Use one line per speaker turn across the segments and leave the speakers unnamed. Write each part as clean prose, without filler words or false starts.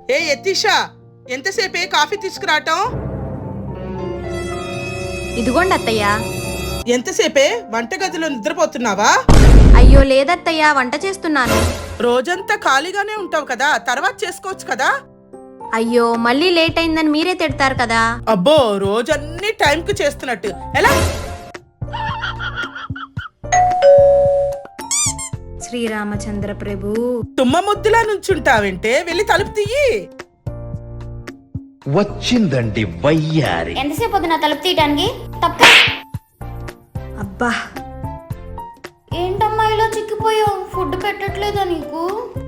ఏ యతీషా, ఎంతసేపే coffee తీసుకురావటం?
ఇదిగోండి అత్తయ్య.
ఎంతసేపే వంటగదిలో నిద్రపోతున్నావా?
అయ్యో లేదత్తయ్య, వంట చేస్తున్నాను.
రోజంతా ఖాళీగానే ఉంటావు కదా, తర్వాత చేసుకోవచ్చు కదా.
అయ్యో మళ్ళీ లేట్ అయిందని మీరే తిడతారు కదా.
అబ్బో, రోజన్నీ టైంకి చేస్తున్నట్టు ఎలా?
శ్రీరామచంద్ర ప్రభు.
తుమ్మ ముద్దులా నుంచుంటావంటే వెళ్ళి తలుపు తీయి.
వచ్చిందండి వయ్యారి.
ఎంతసేపు వద్దు నా తలుపు తీయటానికి? తప్ప.
అబ్బా,
ఏంటమ్మా ఇలా చిక్కిపోయావు? ఫుడ్ పెట్టట్లేదా నీకు?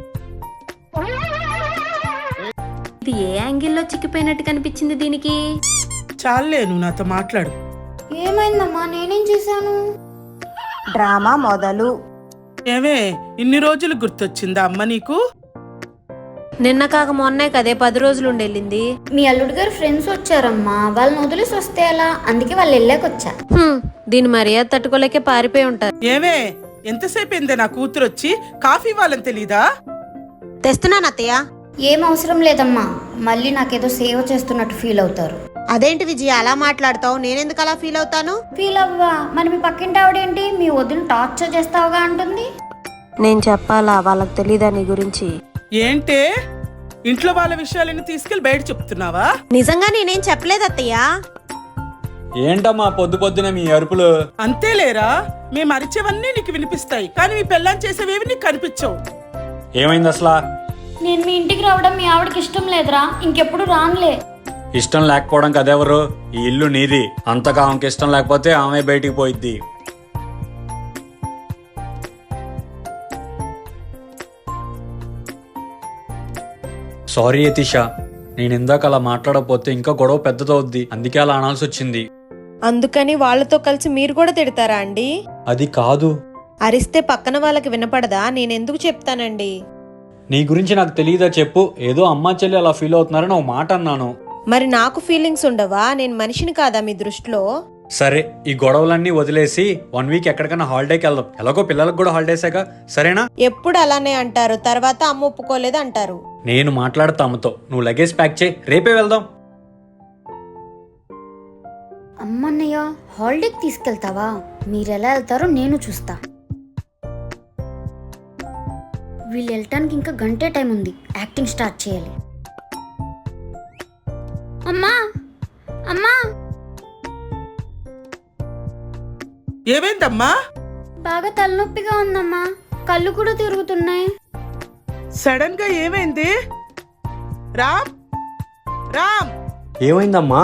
ఇది ఏ యాంగిల్లో చిక్కిపోయినట్టు కనిపించింది దీనికి?
చాలే, నువ్వు నాతో మాట్లాడు.
ఏమైందమ్మా? నేనేం చేశాను?
డ్రామా మొదలు.
ఏమే, ఇన్ని రోజులు గుర్తొచ్చిందా అమ్మ నీకు?
నిన్న కాక మొన్నే కదే 10 రోజులు ఉండెళ్ళింది.
మీ అల్లుడు గారు ఫ్రెండ్స్ వచ్చారమ్మా, వాళ్ళని వదిలేసి వస్తే ఎలా? అందుకే వాళ్ళు వెళ్ళాకొచ్చా.
దీని మర్యాద తట్టుకోలేకే పారిపోయి ఉంటారు.
ఏమే, ఎంతసేపు అయిందే నా కూతురు వచ్చి? కాఫీ ఇవ్వాలని తెలీదా?
తెస్తున్నాను అత్తయ్య.
ఏం అవసరం లేదమ్మా, మళ్ళీ నాకేదో సేవ చేస్తున్నట్టు ఫీల్ అవుతారు.
అదేంటి విజయ అలా మాట్లాడతావు? నేనెందుకు అలా ఫీల్ అవుతాను?
ఫీల్ అవ్వా? మరి మీ పక్కింటి ఆవిడేంటి మీ వదిన టార్చర్ చేస్తావుగా అంటుంది?
నేను చెప్పాలా? వాళ్ళకి తెలీదా నీ గురించి?
ఏంటే, ఇంట్లో వాళ్ళ విషయాలన్నీ తీసుకెళ్లి బయట చెప్తున్నావా?
నిజంగా నేనేం చెప్పలేదు అత్తయ్య.
ఏంటమ్మా పొద్దు పొద్దున మీ అరుపులు?
అంతేలేరా, మేము అరిచేవన్నీ నీకు వినిపిస్తాయి, కానీ మీ పెళ్ళాం చేసేవేవి నీకు కనిపించవు.
ఏమైంది అసలా?
నేను మీ ఇంటికి రావడం మీ ఆవిడకి ఇష్టం లేదురా, ఇంకెప్పుడు రానులే.
ఇష్టం లేకపోవడం కదెవరు? ఈ ఇల్లు నీది. అంతగా ఆమెకి ఇష్టం లేకపోతే ఆమె బయటికి పోయిద్ది. సారీ యతీష, నేను ఇందాక అలా మాట్లాడకపోతే ఇంకా గొడవ పెద్దదవుద్ది, అందుకే అలా అనాల్సి వచ్చింది.
అందుకని వాళ్ళతో కలిసి మీరు కూడా తిడతారా అండి?
అది కాదు.
అరిస్తే పక్కన వాళ్ళకి వినపడదా? నేనెందుకు చెప్తానండి?
నీ గురించి నాకు తెలియదా చెప్పు? ఏదో అమ్మా చెల్లి అలా ఫీల్ అవుతున్నారని ఒక మాట అన్నాను.
మరి నాకు ఫీలింగ్స్ ఉండవా? నేను మనిషిని కాదా మీ దృష్టిలో?
సరే, ఈ గొడవలన్నీ వదిలేసి 1 వీక్ ఎక్కడికైనా హాలిడేకి వెళ్దాం. ఎలాగో పిల్లలకు కూడా హాలిడేసేగా, సరేనా?
ఎప్పుడు అలానే అంటారు, తర్వాత అమ్మ ఒప్పుకోలేదు అంటారు.
నేను మాట్లాడతా అమ్మతో, నువ్వు లగేజ్ ప్యాక్ చేయి, రేపే వెళ్దాం.
అమ్మన్నయ్య, హాలిడేకి తీసుకెళ్తావా? మీరెలా వెళ్తారో నేను చూస్తా. వీళ్ళు వెళ్ళటానికి ఇంకా గంటే టైం ఉంది, యాక్టింగ్ స్టార్ట్ చేయాలి. అమ్మా అమ్మా,
ఏమైందమ్మా?
బాగా తలనొప్పిగా ఉందమ్మా, కళ్ళు కూడా తిరుగుతున్నాయి.
సడన్ గా ఏమైంది? రామ్, రామ్,
ఏమైందమ్మా?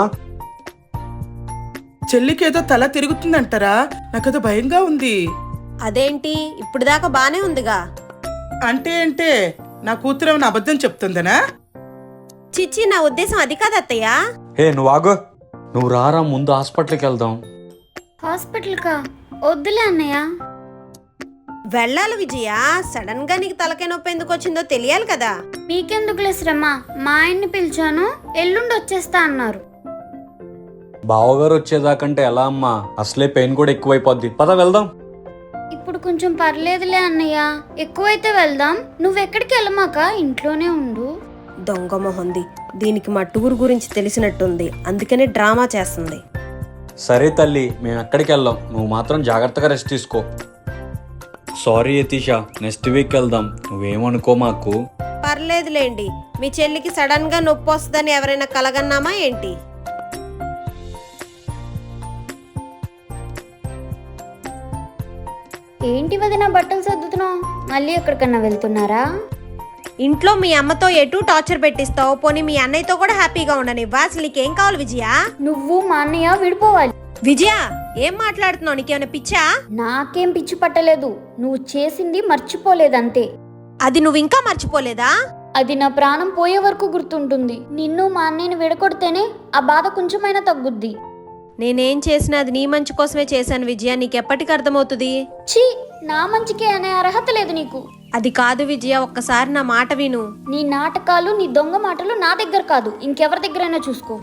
చెల్లికేదో తల తిరుగుతుందంటారా? నాకేదో భయంగా ఉంది.
అదేంటి, ఇప్పుడు దాకా బానే ఉందిగా.
అంటే నా కూతురు ఏమైనా అబద్ధం చెప్తుందనా?
చిచ్చి, నా ఉద్దేశం అది కాదు అత్తయ్య.
హే నువ్వు ఆగు, నువ్వు రారా, ముందు హాస్పిటల్కి వెళ్దాం.
హాస్పిటల్కా? వద్దులే అన్నయ్య.
వెళ్ళాలి విజయ, సడన్ గా నీకు తలకాయ నొప్పి ఎందుకు వచ్చిందో తెలియాలి కదా.
మీకెందుకులే శ్రమ, మా ఆయన్ని పిలిచాను, ఎల్లుండి వచ్చేస్తా అన్నారు.
బావగారు వచ్చేదాకంటే ఎలా అమ్మా? అసలే పెయిన్ కూడా ఎక్కువైపోద్ది, పద వెళ్దాం.
ఇప్పుడు కొంచెం పర్లేదులే అన్నయ్య, ఎక్కువైతే వెళ్దాం. నువ్వెక్కడికి వెళ్ళమాక, ఇంట్లోనే ఉండు.
దొంగ మొహంది, దీనికి మా టూర్ గురించి తెలిసినట్టుంది, అందుకనే డ్రామా చేస్తుంది.
సరే తల్లి, మేము ఎక్కడికి వెళ్ళాం, నువ్వు మాత్రం జాగ్రత్తగా రెస్ట్ తీసుకో. సారీ యతీష, నెక్స్ట్ వీక్ వెళ్దాం, నువ్వేమనుకో మాకు.
పర్లేదులేండి, మీ చెల్లికి సడన్ గా నొప్పి వస్తుందని ఎవరైనా కలగన్నామా ఏంటి?
ఏంటి వదిన బట్టలు సర్దుతున్నావు? మళ్ళీ ఎక్కడికన్నా వెళ్తున్నారా?
ఇంట్లో మీ అమ్మతో ఎటు టార్చర్ పెట్టిస్తావు, పోనీ మీ అన్నయ్యతో కూడా హ్యాపీగా ఉండనివ్వా? అసలు నీకేం కావాలి విజయ?
నువ్వు మా అన్నయ్య విడిపోవాలి.
విజయ, ఏం మాట్లాడుతున్నావు? నీకేమైనా పిచ్చా?
నాకేం పిచ్చి పట్టలేదు, నువ్వు చేసింది మర్చిపోలేదంతే.
అది నువ్వు ఇంకా మర్చిపోలేదా?
అది నా ప్రాణం పోయే వరకు గుర్తుంటుంది. నిన్ను మా అన్నయ్యని విడగొడితేనే ఆ బాధ కొంచెమైనా తగ్గుద్ది.
నేనేం చేసినా అది నీ మంచి కోసమే చేశాను విజయ, నీకెప్పటికి అర్థమవుతుంది?
ఛీ, నా మంచికే అనే అర్హత లేదు నీకు.
అది కాదు విజయ, ఒక్కసారి నా మాట విను.
నీ నాటకాలు, నీ దొంగ మాటలు నా దగ్గర కాదు, ఇంకెవరి దగ్గరైనా చూసుకో.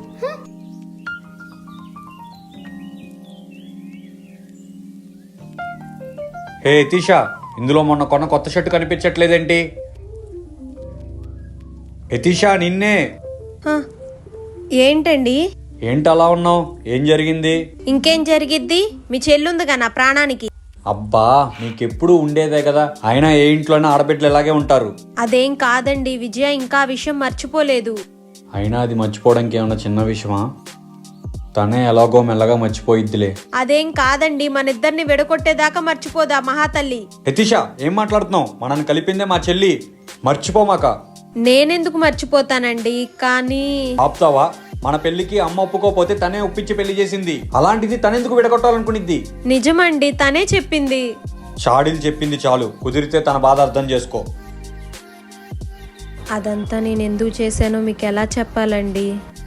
హే యతీష, ఇందులో మొన్న కొన్న కొత్త షర్టు కనిపించట్లేదేంటి? యతీషా నిన్నే.
హ, ఏంటండి?
ఏంటి అలా ఉన్నావు? ఏం జరిగింది?
ఇంకేం జరిగిద్ది? మీ చెల్లుందిగా నా ప్రాణానికి.
అబ్బా నీకెప్పుడు ఉండేదే కదా, అయినా ఏ ఇంట్లోనే ఆడబిడ్డలు ఇలాగే ఉంటారు.
అదేం కాదండి, విజయ ఇంకా ఆ విషయం మర్చిపోలేదు.
అయినా అది మర్చిపోవడానికి ఏమన్నా చిన్న విషయమా? తనే ఎలాగో మెల్లగా మర్చిపోయిద్దిలే.
అదేం కాదండి, మన ఇద్దరిని విడగొట్టేదాకా మర్చిపోదా మహాతల్లి.
యతీషా ఏం మాట్లాడుతున్నావు? మనల్ని కలిపిందే మా చెల్లి, మర్చిపోమాక.
నేనెందుకు మర్చిపోతానండి, కానీ
ఆపుతావా? మన పెళ్లికి అమ్మ ఒప్పుకోపోతే తనే ఒప్పించి పెళ్లి చేసింది, అలాంటిది తనెందుకు విడగొట్టాలనుకునిద్ది?
నిజమండి, తనే చెప్పింది.
షాడీలు చెప్పింది చాలు, కుదిరితే తన బాధ అర్థం చేసుకో.
అదంతా నేను ఎందుకు చేశానో మీకు ఎలా చెప్పాలండి?